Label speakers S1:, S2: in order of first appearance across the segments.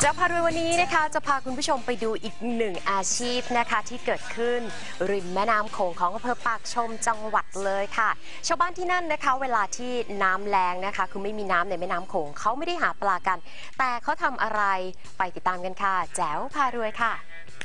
S1: จะพารวยวันนี้นะคะจะพาคุณผู้ชมไปดูอีกหนึ่งอาชีพนะคะที่เกิดขึ้นริมแม่น้ำโขงของอำเภอปากชมจังหวัดเลยค่ะชาวบ้านที่นั่นนะคะเวลาที่น้ำแรงนะคะคือไม่มีน้ำในแม่น้ำโขงเขาไม่ได้หาปลากันแต่เขาทำอะไรไปติดตามกันค่ะแจ๋วพารวยค่ะ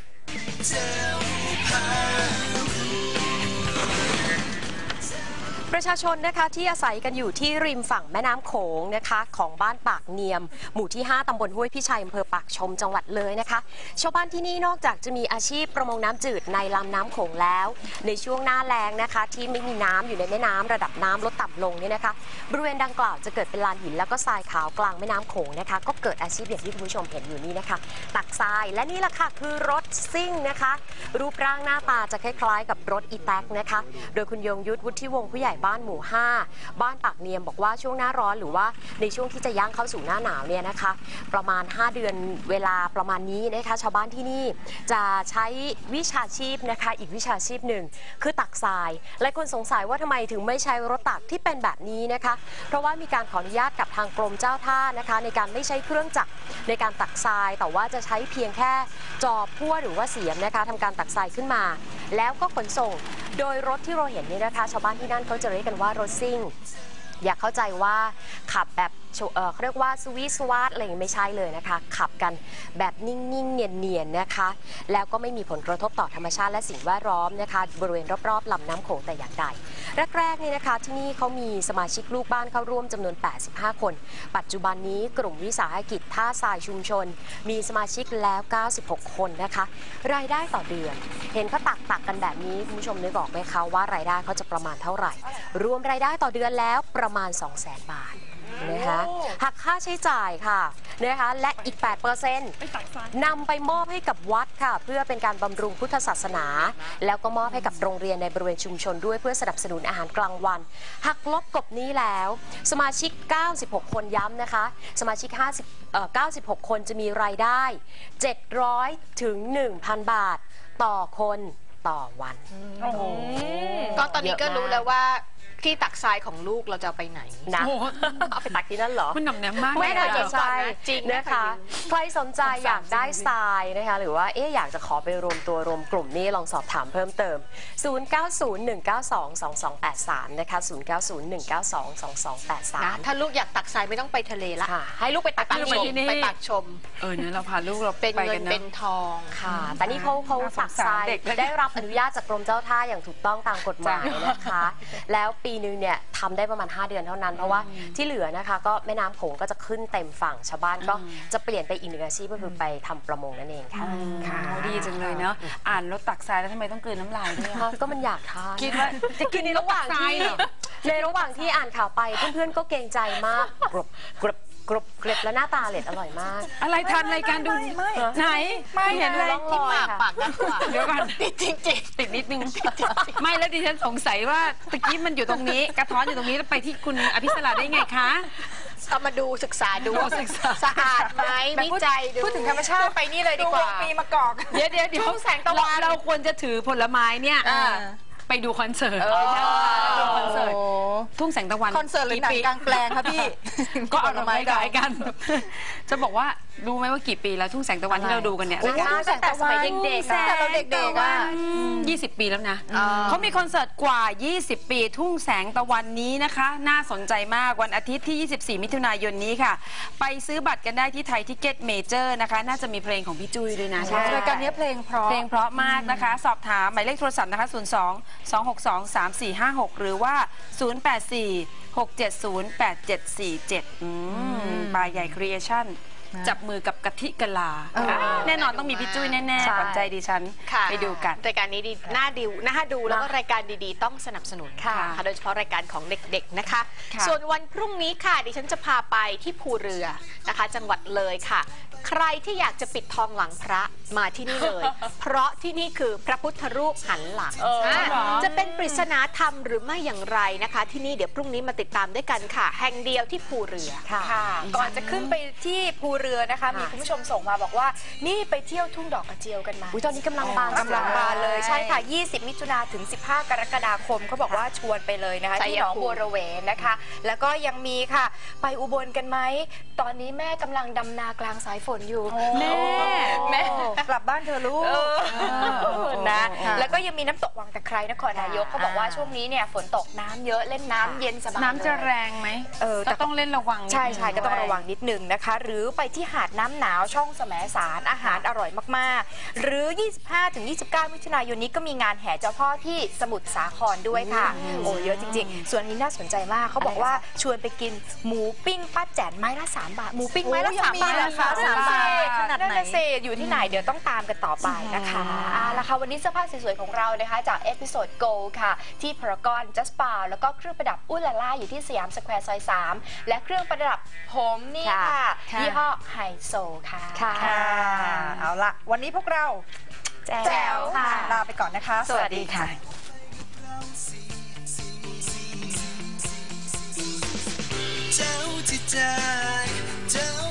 S1: ประชาชนนะคะที่อาศัยกันอยู่ที่ริมฝั่งแม่น้ำโขงนะคะของบ้านปากเนียมหมู่ที่ 5 ตำบลห้วยพิชัยอำเภอปากชมจังหวัดเลยนะคะชาวบ้านที่นี่นอกจากจะมีอาชีพประมงน้ำจืดในลำน้ำโขงแล้วในช่วงหน้าแล้งนะคะที่ไม่มีน้ำอยู่ในแม่น้ำระดับน้ำลดต่ำลงเนี่ยนะคะบริเวณดังกล่าวจะเกิดเป็นลานหินแล้วก็ทรายขาวกลางแม่น้ำโขงนะคะก็เกิดอาชีพอย่างที่คุณผู้ชมเห็นอยู่นี่นะคะตักทรายและนี่แหละค่ะคือรถซิ่งนะคะรูปร่างหน้าตาจะคล้ายๆกับรถอีแท็กนะคะโดยคุณยงยุทธวุฒิวงศ์ผู้ใหญ่บ้านหมู่ 5 บ้านปากเนียมบอกว่าช่วงหน้าร้อนหรือว่าในช่วงที่จะย่างเข้าสู่หน้าหนาวเนี่ยนะคะประมาณ5 เดือนเวลาประมาณนี้นะคะชาวบ้านที่นี่จะใช้วิชาชีพนะคะอีกวิชาชีพหนึ่งคือตักทรายหลายคนสงสัยว่าทำไมถึงไม่ใช้รถตักที่เป็นแบบนี้นะคะเพราะว่ามีการขออนุญาตกับทางกรมเจ้าท่านะคะในการไม่ใช้เครื่องจักรในการตักทรายแต่ว่าจะใช้เพียงแค่จอบพั่วหรือว่าเสียมนะคะทำการตักทรายขึ้นมาแล้วก็ขนส่งโดยรถที่เราเห็นนี่นะคะชาวบ้านที่นั่นเขาจะเรียกกันว่ารถซิ่งอย่าเข้าใจว่าขับแบบเขาเรียกว่าสวีทสวาร์ทอะไรอย่างไม่ใช่เลยนะคะขับกันแบบนิ่งๆเนียนๆนะคะแล้วก็ไม่มีผลกระทบต่อธรรมชาติและสิ่งแวดล้อมนะคะบริเวณรอบๆลำน้ำโขงแต่อย่างใดแรกๆนี่นะคะที่นี่เขามีสมาชิกลูกบ้านเข้าร่วมจำนวน85 คนปัจจุบันนี้กลุ่มวิสาหกิจท่าทรายชุมชนมีสมาชิกแล้ว96 คนนะคะรายได้ต่อเดือนเห็นเขาตักกันแบบนี้คุณผู้ชมนึกออกไหมคะว่ารายได้เขาจะประมาณเท่าไหร่รวมรายได้ต่อเดือนแล้วประมาณ 200,000 บาทนะคะหักค่าใช้จ่ายค่ะนะคะและอีก 8% นำไปมอบให้กับวัดค่ะเพื่อเป็นการบำรุงพุทธศาสนาแล้วก็มอบให้กับโรงเรียนในบริเวณชุมชนด้วยเพื่อสนับสนุนอาหารกลางวันหักลบกบนี้แล้วสมาชิก96 คนย้ำนะคะสมาชิก96 คนจะมีรายได้700 ถึง 1,000 บาทต่อคนต่อวัน
S2: ก็ตอนนี้ก็รู้แล้วว่าที่ตักทรายของลูกเราจะไปไหน
S1: นะเอาไปตักที่นั่นเหรอ
S3: มันหน่ำแนมมาก
S1: ไม่น่าจะใช่
S2: จริง
S1: นะคะใครสนใจอยากได้ทรายนะคะหรือว่าอยากจะขอไปรวมตัวรวมกลุ่มนี่ลองสอบถามเพิ่มเติม0901922283นะคะ0901922283
S2: ถ้าลูกอยากตักทรายไม่ต้องไปทะเลละให้ลูกไปตักที่นี่ไปตักชม
S3: เนี่ยเราพาลูกเรา
S2: เป็นเงินเป็นทอง
S1: ค่ะแต่นี่เขาตักทรายได้รับอนุญาตจากกรมเจ้าท่าอย่างถูกต้องตามกฎหมายนะคะแล้วปีนึงเนี่ยทำได้ประมาณ5 เดือนเท่านั้นเพราะว่าที่เหลือนะคะก็แม่น้ำโขงก็จะขึ้นเต็มฝั่งชาวบ้านก็จะเปลี่ยนไปอีกหนึ่งอาชีพก็คือไปทำประมงนั่นเองค่ะ
S3: ดีจังเลยเนาะอ่านรถตักทรายแล้วทำไมต้องกลืนน้ำลายด้วย
S1: ก็มันอยากทาน
S3: คิดว่า
S1: จะกินในระหว่างที่อ่านข่าวไปเพื่อนๆก็เกรงใจมากกรบแล้วหน้าตาอร่อยมาก
S3: อะไรทันรายการดูไหนไม่เห็นเลย
S2: ที่ปากด้านขวา
S3: เดี๋ยวก่อน
S2: ติดจริง
S3: ติดนิดนึงไม่แล้วดิฉันสงสัยว่าตะกี้มันอยู่ตรงนี้กระท้อนอยู่ตรงนี้แล้วไปที่คุณอภิสราได้ไงคะ
S2: เอามาดูศึกษาดูสะอาดไหมวิจัยดู
S3: พูดถึงธรรมชาติ
S2: ไปนี่เลยดีกว่า
S3: ปีมะกอก
S2: เดี๋ยวแสงตะวัน
S3: เราควรจะถือผลไม้เนี่ยไปดูคอนเสิร์ตดูคอนเสิร์ตทุ่งแสงตะวัน
S2: คอนเสิร์ตหรือหนังกลางแปลงครับพี่
S3: ก็เอาไม้ขายกันจะบอกว่ารู้ไหมว่ากี่ปีแล้วทุ่งแสงตะวันที่เราดูกันเนี่ย
S1: ตั้งแต่สมัยเด็กๆ
S2: แต่เราเด็กๆ
S3: 20 ปีแล้วนะเขามีคอนเสิร์ตกว่า20 ปีทุ่งแสงตะวันนี้นะคะน่าสนใจมากวันอาทิตย์ที่24 มิถุนายนนี้ค่ะไปซื้อบัตรกันได้ที่ไทยทิเก็ตเมเจอร์นะคะน่าจะมีเพลงของพี่จุ้ยด้วยนะ
S2: รายการนี้เพลงเพ
S3: ราะมากนะคะสอบถามหมายเลขโทรศัพท์นะคะ02-262-3456หรือว่า084-670-8747บายใหญ่ครีเอชั่นจับมือกับกะทิกะลาแน่นอนต้องมีพี่จุ้ยแน่ๆขวัญใจดิฉันไปดูกัน
S2: รายการนี้ดีน่าดูแล้วก็รายการดีๆต้องสนับสนุนค่ะโดยเฉพาะรายการของเด็กๆนะคะส่วนวันพรุ่งนี้ค่ะดิฉันจะพาไปที่ภูเรือนะคะจังหวัดเลยค่ะใครที่อยากจะปิดทองหลังพระมาที่นี่เลยเพราะที่นี่คือพระพุทธรูปหันหลังจะเป็นปริศนาธรรมหรือไม่อย่างไรนะคะที่นี่เดี๋ยวพรุ่งนี้มาติดตามด้วยกันค่ะแห่งเดียวที่ภูเรือ
S4: ค่ะก่อนจะขึ้นไปที่ภูเรือนะคะมีคุณผู้ชมส่งมาบอกว่านี่ไปเที่ยวทุ่งดอกกระเจียวกันมา
S1: ตอนนี้กำลังบาน
S4: เลยใช่ค่ะ20 มิถุนายนถึง15 กรกฎาคมเขาบอกว่าชวนไปเลยนะคะที่หนองบัวระเวนะคะแล้วก็ยังมีค่ะไปอุบลกันไหมตอนนี้แม่กำลังดำนากลางสายฝน
S1: นอยู่
S3: แม่
S4: แม่กลับบ้านเธอะลูกนะ
S3: ค่ะ
S4: แล้วก็ยังมีน้ำตกวังตะไคร้นครนายกเขาบอกว่าช่วงนี้เนี่ยฝนตกน้ำเยอะเล่นน้ำเย็นสบาย
S3: น้ำจะ
S4: เลย
S3: แรงไหม
S4: แต่
S3: ก็ต้องเล่นระวังนิด
S4: ใช่
S3: นึ
S4: ใช่ก็ต้องระวังนิดนึงนะคะ หรือไปที่หาดน้ำหนาวช่องแสมสารอาหารอร่อยมากๆ หรือ 25-29 มิถุนายนนี้ก็มีงานแห่เจ้าพ่อที่สมุทรสาครด้วยค่ะ โอ้เยอะจริงๆ ส่วนนี้น่าสนใจมากเขาบอกว่าชวนไปกินหมูปิ้งป้าแจ๋นไม้ละ3 บาทหมูปิ้งไม้ละ3 บาท
S3: ราคา3 บาทขนาดไหน
S4: นั่นน่ะสิอยู่ที่ไหนเดี๋ยวต้องตามกันต่อไปนะคะแล้วค่ะวันนี้เสื้อผ้าสวยๆของเรานะคะจากเอพิโซด Go ค่ะที่พารากอนจัสปาแล้วก็เครื่องประดับอุลาล่าอยู่ที่สยามสแควร์ซอย 3 และเครื่องประดับผมนี่ค่ะยี่ห้อไฮโซค่ะ
S1: ค่ะ
S5: เอาละวันนี้พวกเรา
S4: แจ๋วค่ะ
S5: ลาไปก่อนนะคะ
S4: สวัสดีค่ะ
S6: เจ้าที่ใจเจ้า